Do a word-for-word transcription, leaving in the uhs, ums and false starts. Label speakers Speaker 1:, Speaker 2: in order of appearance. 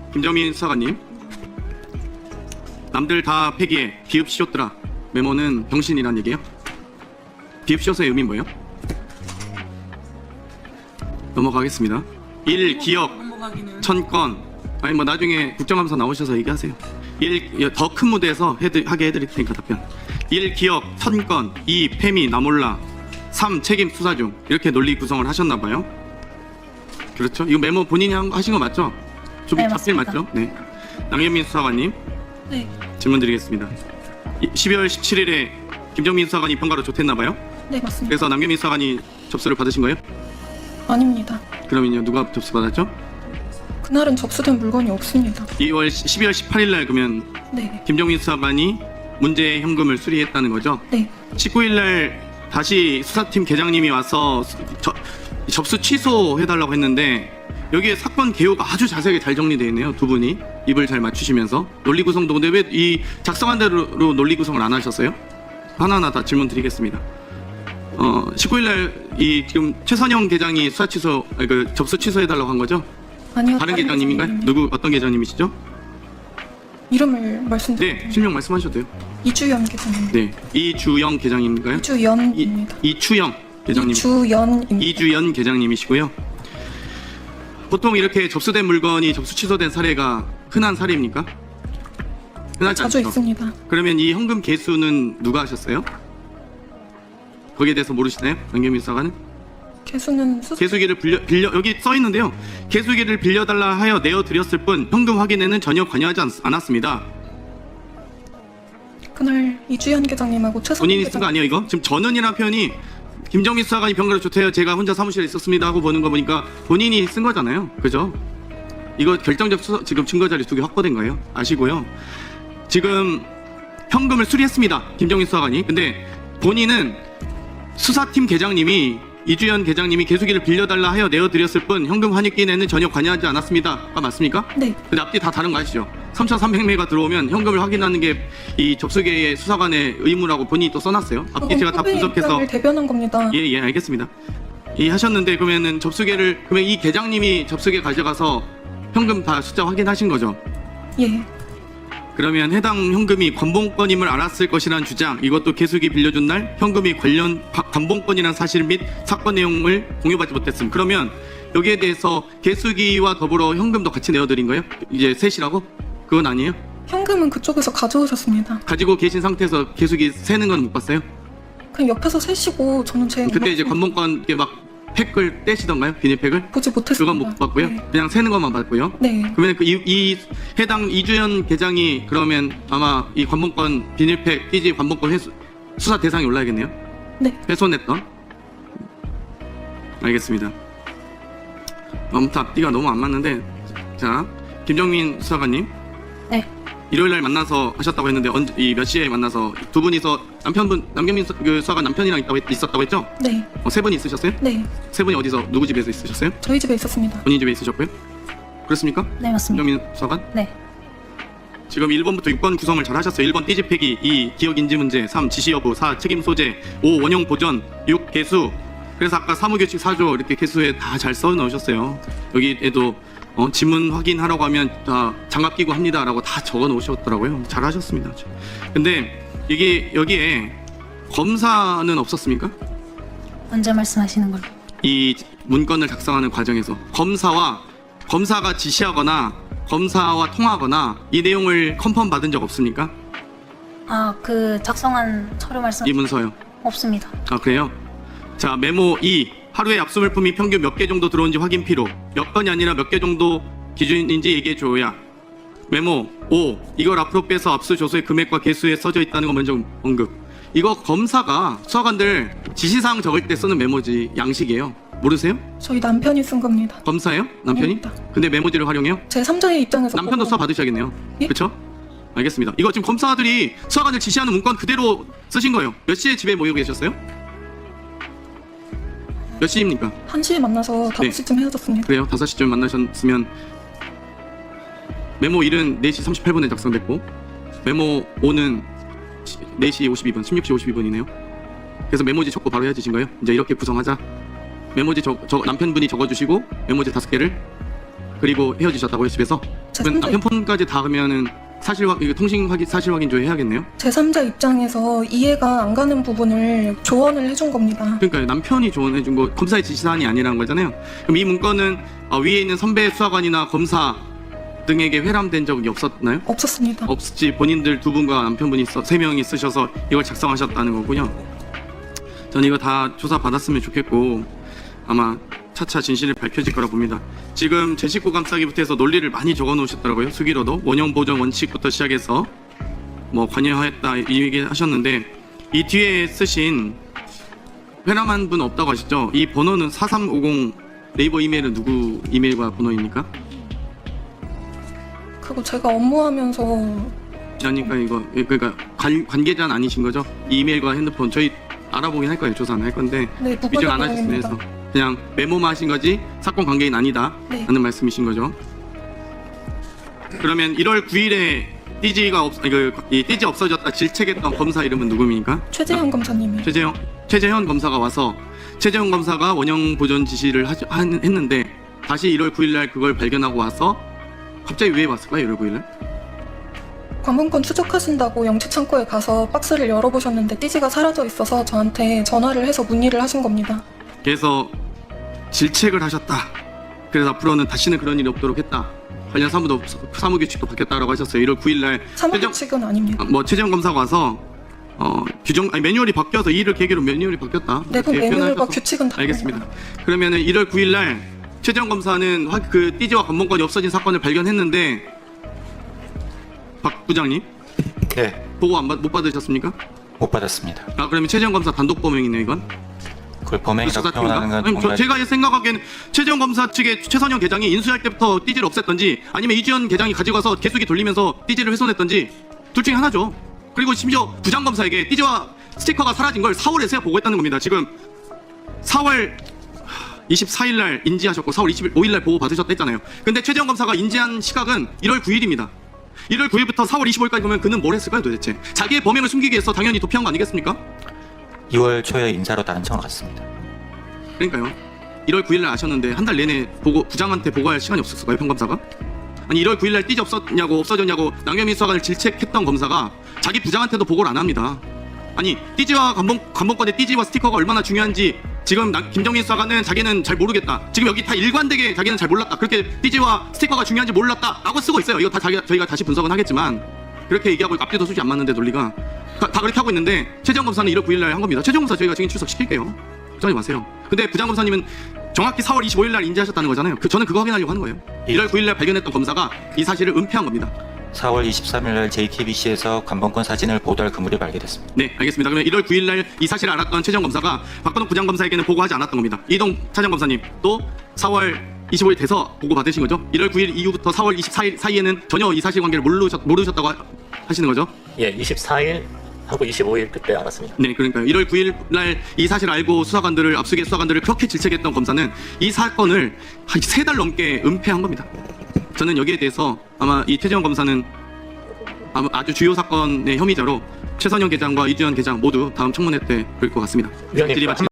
Speaker 1: 김정민 수사관님, 남들 다 폐기해 비읍 씌웠더라. 메모는 병신이란 얘기예요? 비읍 씌워서의 의미는 뭐예요? 넘어가겠습니다. 일. 기억 천 건. 아니 뭐 나중에 국정감사 나오셔서 얘기하세요. 일. 더 큰 무대에서 해드, 하게 해드릴 테니까 답변. 일. 기억 천 건. 이. 패미 나몰라. 삼. 책임 수사 중. 이렇게 논리 구성을 하셨나봐요. 그렇죠? 이거 메모 본인이 한, 하신 거 맞죠? 좀
Speaker 2: 네,
Speaker 1: 잡필
Speaker 2: 맞습니다.
Speaker 1: 맞죠? 네. 남경민 수사관님
Speaker 2: 네.
Speaker 1: 질문 드리겠습니다. 십이월 십칠일에 김정민 수사관이 평가로 조퇴했나봐요.
Speaker 2: 네, 맞습니다.
Speaker 1: 그래서 남경민 수사관이 접수를 받으신 거예요?
Speaker 2: 아닙니다.
Speaker 1: 그러면요 누가 접수 받았죠?
Speaker 2: 그날은 접수된 물건이 없습니다.
Speaker 1: 이월 십이월 십팔일날 그러면
Speaker 2: 네.
Speaker 1: 김정민 수사관이 문제 현금을 수리했다는 거죠?
Speaker 2: 네.
Speaker 1: 십구일날 다시 수사팀 계장님이 와서 수- 저, 접수 취소해달라고 했는데 여기에 사건 개요가 아주 자세하게 잘 정리되어 있네요. 두 분이 입을 잘 맞추시면서 논리 구성도. 근데 왜 이 작성한 대로 논리 구성을 안 하셨어요? 하나하나 다 질문 드리겠습니다. 어, 십구일날 이 지금 최선영 계장이 수사 취소, 아니, 그 접수 취소해달라고 한 거죠?
Speaker 2: 아니요.
Speaker 1: 다른 계장님인가요? 누구 어떤 계장님이시죠?
Speaker 2: 이름을 말씀드릴게요.
Speaker 1: 네, 실명 말씀하셔도 돼요.
Speaker 2: 이주연 계장님.
Speaker 1: 네, 이주영 계장님인가요? 이,
Speaker 2: 이주연입니다.
Speaker 1: 이추영 계장님.
Speaker 2: 이주연입니다.
Speaker 1: 이주연 계장님이시고요. 보통 이렇게 접수된 물건이 접수 취소된 사례가 흔한 사례입니까? 흔하지
Speaker 2: 자주
Speaker 1: 않죠?
Speaker 2: 있습니다.
Speaker 1: 그러면 이 현금 개수는 누가 하셨어요? 거기에 대해서 모르시나요? 남경민 수사관은?
Speaker 2: 개수는 수...
Speaker 1: 개수기를 빌려, 빌려 여기 써 있는데요. 개수기를 빌려달라 하여 내어드렸을 뿐 현금 확인에는 전혀 관여하지 않, 않았습니다.
Speaker 2: 그날 이주연 계장님하고 최선
Speaker 1: 본인이 쓴 거 아니에요 이거? 지금 저는이라는 표현이 김정민 수사관이 평가를 조퇴해요. 제가 혼자 사무실에 있었습니다 하고 보는 거 보니까 본인이 쓴 거잖아요. 그죠? 이거 결정적 수사, 지금 증거 자료 두 개 확보된 거예요. 아시고요. 지금 현금을 수리했습니다. 김정민 수사관이. 근데 본인은 수사팀 계장님이 이주연 계장님이 개수기를 빌려달라 하여 내어드렸을 뿐 현금 환입기에는 전혀 관여하지 않았습니다가 맞습니까?
Speaker 2: 네.
Speaker 1: 근데 앞뒤 다 다른 거 아시죠? 삼천삼백 매가 들어오면 현금을 확인하는 게 이 접수계의 수사관의 의무라고 본인이 또 써놨어요. 앞뒤 제가 다
Speaker 2: 후배
Speaker 1: 분석해서
Speaker 2: 입장을 대변한 겁니다.
Speaker 1: 예, 예, 알겠습니다. 이 하셨는데 그러면은 접수계를 그러면 이 계장님이 접수계 가져가서 현금 다 숫자 확인하신 거죠?
Speaker 2: 예.
Speaker 1: 그러면 해당 현금이 관봉권임을 알았을 것이라는 주장, 이것도 개수기 빌려준 날 현금이 관련 가- 관봉권이라는 사실 및 사건 내용을 공유받지 못했음. 그러면 여기에 대해서 개수기와 더불어 현금도 같이 내어드린 거예요? 이제 셋이라고? 그건 아니에요?
Speaker 2: 현금은 그쪽에서 가져오셨습니다.
Speaker 1: 가지고 계신 상태에서 개수기 세는 건 못 봤어요?
Speaker 2: 그냥 옆에서 세시고 저는 제
Speaker 1: 그때 이제 관봉권 이렇게 막 팩을 떼시던가요? 비닐팩을?
Speaker 2: 보지 못했습니다.
Speaker 1: 그건 못 봤고요.
Speaker 2: 네.
Speaker 1: 그냥 세는 것만 봤고요.
Speaker 2: 네.
Speaker 1: 그러면 그 이, 이 해당 이주연 계장이 그러면 아마 이 관봉권 비닐팩 띠지 관봉권 회수, 수사 대상에 올라야겠네요.
Speaker 2: 네.
Speaker 1: 훼손했던. 알겠습니다. 아무튼 앞뒤가 너무 안 맞는데, 자 김정민 수사관님.
Speaker 2: 네.
Speaker 1: 일요일 날 만나서 하셨다고 했는데 언제 이 몇 시에 만나서 두 분이서 남편분 남경민 수, 그 수사관 남편이랑 있다고 했, 있었다고 했죠?
Speaker 2: 네.
Speaker 1: 어, 세 분이 있으셨어요?
Speaker 2: 네.
Speaker 1: 세 분이 어디서 누구 집에서 있으셨어요?
Speaker 2: 저희 집에 있었습니다.
Speaker 1: 본인 집에 있으셨고요? 그렇습니까?
Speaker 3: 네, 맞습니다.
Speaker 1: 김정민 수사관?
Speaker 3: 네.
Speaker 1: 지금 일 번부터 육 번 구성을 잘 하셨어요. 일 번 띠집폐기, 이 기억 인지 문제, 삼 지시 여부, 사 책임 소재, 오 원형 보전, 육 개수. 그래서 아까 사무규칙 사조 이렇게 개수에 다 잘 써 넣으셨어요. 여기에도 어, 지문 확인하라고 하면 다 장갑 끼고 합니다라고 다 적어 놓으셨더라고요. 잘 하셨습니다. 근데 이게 여기에 검사는 없었습니까?
Speaker 3: 언제 말씀하시는 걸로?
Speaker 1: 이 문건을 작성하는 과정에서 검사와 검사가 지시하거나 검사와 통하거나 이 내용을 컨펌 받은 적 없습니까?
Speaker 3: 아, 그 작성한 서류 말씀
Speaker 1: 이 문서요.
Speaker 3: 없습니다.
Speaker 1: 아 그래요? 자 메모 이 하루에 압수 물품이 평균 몇 개 정도 들어온지 확인 필요. 몇 건이 아니라 몇 개 정도 기준인지 얘기해 줘야. 메모 오 이걸 앞으로 빼서 압수 조서의 금액과 개수에 써져 있다는 거 먼저 언급. 이거 검사가 수사관들 지시사항 적을 때 쓰는 메모지 양식이에요. 모르세요?
Speaker 2: 저희 남편이 쓴 겁니다.
Speaker 1: 검사예요? 남편이?
Speaker 2: 아닙니다.
Speaker 1: 근데 메모지를 활용해요?
Speaker 2: 제 삼자의 입장에서
Speaker 1: 남편도
Speaker 2: 보고-
Speaker 1: 수사 받으셔야겠네요.
Speaker 2: 예?
Speaker 1: 그렇죠? 알겠습니다. 이거 지금 검사들이 수사관들 지시하는 문건 그대로 쓰신 거예요. 몇 시에 집에 모여 계셨어요? 몇 시입니까?
Speaker 2: 한 시에 만나서 다섯 시쯤 헤어졌습니다.
Speaker 1: 그래요. 다섯 시쯤 만나셨으면 메모 일은 네 시 삼십팔 분에 작성됐고 메모 오는 네 시 오십이 분, 십육 시 오십이 분이네요. 그래서 메모지 적고 바로 헤어지신 거예요? 이제 이렇게 구성하자. 메모지 적, 적, 남편분이 적어주시고 메모지 다섯 개를 그리고 헤어지셨다고요, 집에서? 그럼
Speaker 2: 제삼자,
Speaker 1: 남편 폰까지 닿으면은 사실 확 이거 통신 확인 사실 확인 조회 해야겠네요.
Speaker 2: 제삼자 입장에서 이해가 안 가는 부분을 조언을 해준 겁니다.
Speaker 1: 그러니까 남편이 조언해준 거 검사의 지시사항이 아니라는 거잖아요. 그럼 이 문건은 어, 위에 있는 선배 수사관이나 검사 등에게 회람된 적이 없었나요?
Speaker 2: 없었습니다.
Speaker 1: 없지. 본인들 두 분과 남편분이 써, 세 명이 쓰셔서 이걸 작성하셨다는 거군요. 전 이거 다 조사 받았으면 좋겠고 아마 차차 진실이 밝혀질 거라 봅니다. 지금 제 식구 감싸기부터 해서 논리를 많이 적어 놓으셨더라고요. 수기로도 원형 보존 원칙부터 시작해서 뭐 관여하였다 이 얘기 하셨는데 이 뒤에 쓰신 회람한 분 없다고 하시죠? 이 번호는 사삼오공 네이버 이메일은 누구 이메일과 번호입니까?
Speaker 2: 그리고 제가 업무하면서
Speaker 1: 그러니까 이거 그러니까 관, 관계자는 아니신 거죠? 이 이메일과 핸드폰 저희 알아보긴 할 거예요. 조사는 할 건데
Speaker 2: 네,
Speaker 1: 위증 안 하셨으면 해서 그냥 메모만 하신 거지 사건 관계인 아니다
Speaker 2: 네.
Speaker 1: 하는 말씀이신 거죠. 그러면 일월 구일에 띠지가 없, 그, 이 띠지 없어졌다 질책했던 검사 이름은 누구입니까?
Speaker 2: 최재현 검사님이
Speaker 1: 최재형 최재현 검사가 와서 최재형 검사가 원형 보존 지시를 하, 한, 했는데 다시 일월 구일날 그걸 발견하고 와서 갑자기 왜 왔을까요? 일월 구일날?
Speaker 2: 관본권 추적하신다고 영치창고에 가서 박스를 열어보셨는데 띠지가 사라져 있어서 저한테 전화를 해서 문의를 하신 겁니다.
Speaker 1: 그래서 질책을 하셨다. 그래서 앞으로는 다시는 그런 일이 없도록 했다. 관련 사무도 사무규칙도 바뀌었다라고 하셨어요. 일월 구일날
Speaker 2: 사무규칙은 아닙니다.
Speaker 1: 뭐 최재형 검사가 와서 어, 규정 아니 매뉴얼이 바뀌어서 이 일을 계기로 매뉴얼이 바뀌었다.
Speaker 2: 내부
Speaker 1: 이렇게
Speaker 2: 매뉴얼과
Speaker 1: 표현하셔서.
Speaker 2: 규칙은 다릅니다.
Speaker 1: 알겠습니다. 그러면은 일월 구일날 최재형 검사는 화- 그 띠지와 관본권이 없어진 사건을 발견했는데 박 부장님
Speaker 4: 네,
Speaker 1: 보고 안 받, 못 받으셨습니까?
Speaker 4: 못 받았습니다.
Speaker 1: 아 그러면 최재형 검사 단독 범행이네요 이건.
Speaker 4: 그걸 범행이라고
Speaker 1: 수사
Speaker 4: 표현하는 건
Speaker 1: 아니, 저,
Speaker 4: 뭔가
Speaker 1: 제가 생각하기에는 최재형 검사 측의 최선영 계장이 인수할 때부터 띠지를 없앴던지 아니면 이주연 계장이 가지고 가서 개수기 돌리면서 띠지를 훼손했던지 둘 중에 하나죠. 그리고 심지어 부장 검사에게 띠지와 스티커가 사라진 걸 사월에서야 보고했다는 겁니다. 지금 사월 이십사일날 인지하셨고 사월 이십오일날 보고 받으셨다 했잖아요. 근데 최재형 검사가 인지한 시각은 일월 구일입니다. 일월 구일부터 사월 이십오일까지 보면 그는 뭘 했을까요 도대체? 자기의 범행을 숨기기 위해서 당연히 도피한 거 아니겠습니까?
Speaker 4: 이월 초에 인사로 다른 청을 갔습니다.
Speaker 1: 그러니까요. 일월 구일날 아셨는데 한 달 내내 보고 부장한테 보고할 시간이 없었을까요, 평검사가? 아니 일월 구일날 띠지 없었냐고 없어졌냐고 남경민 수사관을 질책했던 검사가 자기 부장한테도 보고를 안 합니다. 아니 띠지와 관본, 관본권의 띠지와 스티커가 얼마나 중요한지 지금 나, 김정민 수사관은 자기는 잘 모르겠다. 지금 여기 다 일관되게 자기는 잘 몰랐다. 그렇게 띠지와 스티커가 중요한지 몰랐다 라고 쓰고 있어요. 이거 다 자기, 저희가 다시 분석은 하겠지만 그렇게 얘기하고 앞뒤도 수지 안 맞는데 논리가 다, 다 그렇게 하고 있는데 최재형 검사는 일월 구일날 한 겁니다. 최재형 검사 저희가 증인 출석시킬게요. 걱정하지 마세요. 근데 부장 검사님은 정확히 사월 이십오일날 인지하셨다는 거잖아요. 그, 저는 그거 확인하려고 하는 거예요.
Speaker 4: 예.
Speaker 1: 일월 구일날 발견했던 검사가 이 사실을 은폐한 겁니다.
Speaker 4: 사월 이십삼일날 제이티비씨에서 관본권 사진을 보도할 그물이 발견됐습니다.
Speaker 1: 네, 알겠습니다. 그러면 일월 구일날 이 사실을 알았던 최재형 검사가 박건욱 부장검사에게는 보고하지 않았던 겁니다. 이동 차장 검사님 또 사월 이십오일 돼서 보고 받으신 거죠? 일월 구일 이후부터 사월 이십사일 사이에는 전혀 이 사실관계를 모르셨, 모르셨다고 하, 하시는 거죠?
Speaker 5: 예, 이십사일 하고 이십오일 그때 알았습니다.
Speaker 1: 네, 그러니까요. 일월 구일 날 이 사실 알고 수사관들을 압수계 수사관들을 그렇게 질책했던 검사는 이 사건을 한 세 달 넘게 은폐한 겁니다. 저는 여기에 대해서 아마 이 최재형 검사는 아마 아주 주요 사건의 혐의자로 최선영 계장과 이주연 계장 모두 다음 청문회 때 볼 것 같습니다.
Speaker 5: 위원님,
Speaker 1: 질의 마치-